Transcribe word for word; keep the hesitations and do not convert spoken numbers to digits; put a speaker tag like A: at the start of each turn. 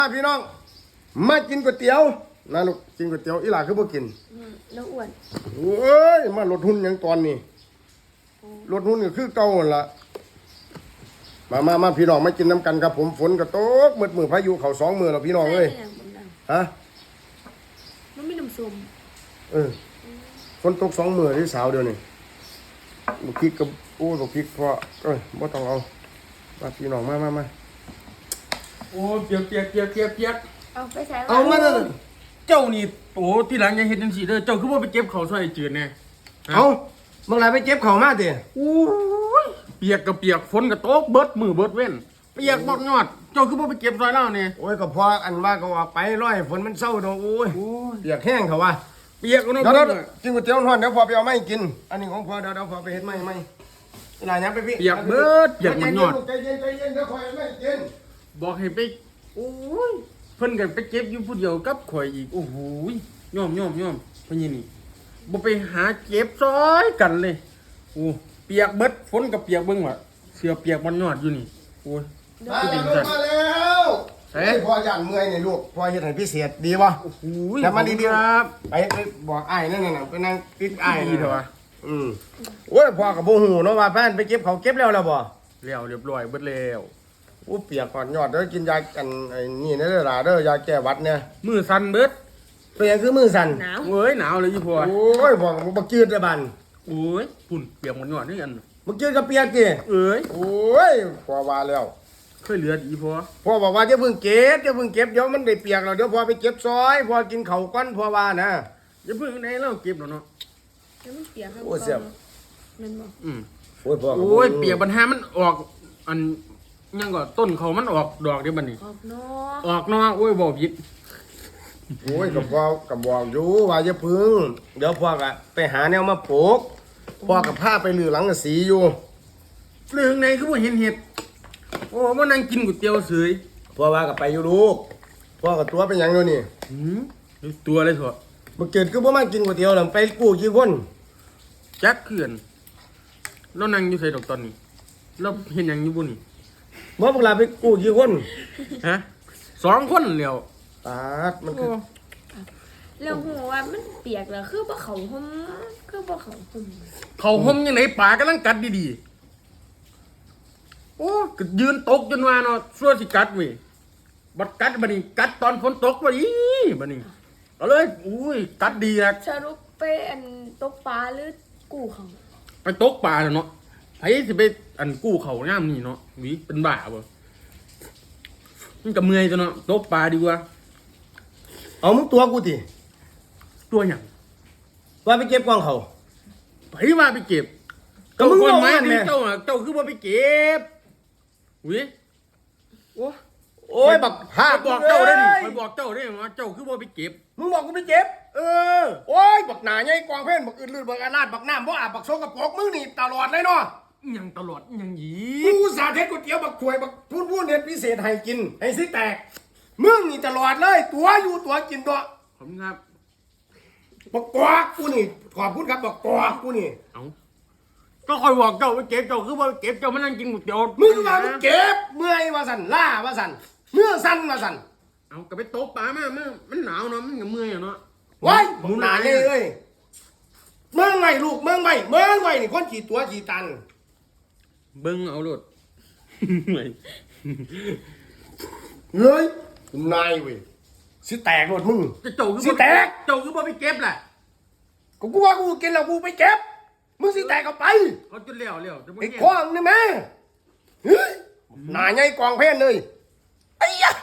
A: พี่น้องมากินก๋วยเตี๋ยวนะลูกกินก๋วยเตี๋ยวอีหล่าคือบ่กิน
B: แล้วอ้วน
A: โอ้ยมาลดหุ้นยังตอนนี้ลดหุ้นก็คือเก่าหั่นล่ะมามามาพี่น้องมากินน้ำกันครับผมฝนก็ตกมืดมือพายุเข้าสองมือแล้วพี่น้องเอ้ยฮะ
B: มันไม่น้ำส้ม
A: เออฝนตกสองมือที่สาวเดียวนี่บุกพริกกับโอ้บุกพริกเพราะเอ้ยบ่ต้องเอามาพี่น้องมามามา
C: โอ้เปียกเปียกเปียกเปียกเปียก
B: เอาไปใส่
A: เอามาเลย
C: เจ้านี่โอ้ที่หลังยังเห็นจังสีเด้อเจ้าคือว่าไปเก็บเขาวซอยจืดแน่
A: เอาเมื่อไรไปเก็บเขามาเถอะ
C: โอ้ยเปียกกับเปียกฝนกับโต๊กเบิดมือเบิดเว้นเปียกบดยอดเจ้าคือว่าไปเก็บซอยเล่าเนี่ย
A: โอ้ยก็พออันว่าก็ว่าไปร้อยฝนมันเศร้าดอกโอ้ยเปียกแห้งเขาว่า
C: เปียกก็น้อง
A: เดี๋ยวเดี๋ยวกินก๋วยเตี๋ยวร้อนเดี๋ยวพอไปเอาไม้กินอันนี้ของพอเดี๋ยวเดี๋ยวพอไปเฮ็ดไม้ไม้หลายอย่างไปพี่
C: เปียกเบิดเปียกมันยอด
A: ใจเย็นใจเย็นเดี๋ยวคอยไม่กิน
C: บอกให้ไปโอ้ยเพิ่นกันไปเก็บอยู่ผู้เดียวกับข่อยอีกโอ้โหย่อมย่อมย่อมเพิ่นนี่บ่ไปหาเก็บซอยกันเลยโอ้เปียกเบิดฝนกับเปียกเบิ่งว่ะเสื้อเปียกมันยอดอยู่นี่โอ้ย
A: มาแล้วมาแล้วเฮ้ยพออย่างเมื่อยนี่ลูกพอเฮ็ดให้พิเศษดีบ่
C: โอ้โห
A: แต่มาดีๆครับไปไปบอกอ้ายนั่นน่ะไปนั่งติดอ้าย
C: ดีเถอะวะ
A: อืมโอ้ยพ่อกับบ่ฮู้เนาะว่าแฟนไปเก็บเขาเก็บแล้วแล้วบ่
C: แล้วเรียบร้อยเบิดแล้ว
A: โอ้เปียกก่อนยอดเด้อกินยากันไอ้นี่เด้อล่ะเด้อยาแก้หวัดเนี่ย
C: มือสั่นเบิด
A: เป็นหยังคือมือสั่น
B: หนาว
C: เว้ยหนาวเลยยี่พ่อ
A: โอ้ยบอกบ่จืดเด้อบัน
C: โอ้ยปุ่นเปียกมันยอดนี่กัน
A: บ่จืดก็เปียกติ
C: เอ้ย
A: โอ้ยพ่อว่าแล้ว
C: เคยเหลืออีพ่อ
A: พ่อบอกว่าอย่าเพิ่งเก็บอย่าเพิ่งเก็บเดี๋ยวมันได้เปียกแล้วเดี๋ยวพ่อไปเก็บซอยพ่อกินข้าวก่อนพ่อว่านะ
C: อย่าเพิ่งไหนเราเก็บแล้วเนาะ
B: แล้วมันเปียกครับ
A: โอ้เสียบ
B: มันบ่
C: อืม
A: โอ้ยพ่อ
C: โอ้ยเปียกปัญหามันออกอันยังก็ต้นเขามันออกดอกเดี๋ยวบัดนี้
B: ออกเนาะ
C: ออกเนาะโอ้ยบ่ผิด
A: โอ้ยกับพ่อกับบอกอยู่ว่าอย่าเพิ่งเดี๋ยวพ่อก็ไปหาแนวมาปลูกพ่อกับผ้าไปลือหลังกะสีอยู่
C: เรื่องไหนคือบ่เห็นเห็ดโอ้บ่นั่งกินก๋วยเตี๋ยวเฉย
A: พ่อว่ากับไปอยู่ลูกพ่อกับตัวเป็นหยังอยู่นี่
C: หืมตัวเลยเถอะ
A: บ่เกิดคือบ่มากินก๋วยเตี๋ยวแล้วไปกู้กี่คน
C: จักเขื่อนเรานั่งอยู่ไสดอกตอนนี้เราเห็นหยังอยู่บ่นี่
A: บ่พวกเราไปกู้กี่คน
C: ฮะสองคนแล้ว
A: ตาดมันคือ
B: แล้วหัวว่ามันเปียกแล้วคือบ่เขาห่มคือบ่เขาห่ม
C: เขาห่มยังไงปากกำลังกัดดีๆโอ้ก็ยืนตกจนว่าเนาะซั่วสิกัดเว้ยบัดกัดบัดนี้กัดตอนฝนตกบัดนี้บัดนี้ก็เลยอุ้ยกัดดีนะ
B: สรุปไปอันตกปลาหรือกู้เขา
C: ไปตกปลาเนาะไผสิไปอันกู้เขาย่ามนี่เนาะหวีเป็นบ้าบ่มันก็เมื่อยจังเนาะตกปลาดีกว่า
A: เอามึงตัวกูติ
C: ตัวหยัง
A: ว่าไปเก็บกองเขา
C: ไผว่าไปเก็บ
A: ก็มึงบอกว่าแม่
C: เจ้าเจ้าคือบ่ไปเก็บหวีโอ้
A: โอ้ยบักพา
C: บอกเจ้าได้ดิไปบอกเจ้าได้ว่าเจ้าคือบ่ไปเก็บ
A: มึงบอกกูไปเก็บ
C: เออ
A: โอ้ยบักหนาใหญ่กองเพ่นบักอื่นลื่นบักอาลาดบักน้ำบ่อาบบักโซกับปอกมึงนี่ตลอดเลยเนาะ
C: ยังตลอดยังหยี
A: กูสาธิตก๋วยเตี๋ยวบักถวยบักพูดพูดเน็ตพิเศษให้กินให้สิแตกมึงนี่ตลอดเลยตัวอยู่ตัวกินตัว
C: ผมครับ
A: บักกอกกูนี่ขอบคุณครับบักกอกกูนี่
C: เอ้าก็คอยบอกเจ้าไปเก็บเจ้าคือว่าเก็บเจ้ามานั่งกินก๋วยเตี๋ยว
A: มึงมามึงเก็บเมื่อยว่าสั่นล่าว่าสั่นเมื่อสั่นว่าสั่น
C: เอาก็ไปโต๊ะปลามามันมันหนาวเนาะมันก็เมื่อยเนาะ
A: ว้ายมึงหนาเลยเอ้ยเมืองไงลูกเมืองไงเมืองไงนี่คนกี่ตัวกี่ตัน
C: เบิ้งเอาโลด
A: เฮ้ยนายเว้ยสิแตกหมดมึง
C: เจ้าคือ
A: สิแตก
C: เจ้าคือบ่ไปเก็บแหละ
A: กูกูว่ากูกินแล้วกูไปเก็บมึงสิแตกก็ไป
C: เขาจนเลี้ยวเลี้ยว
A: ไอ้ควางนี่แม่เฮ้ยหนาใหญ่กองเพนเลยไอ้ยะ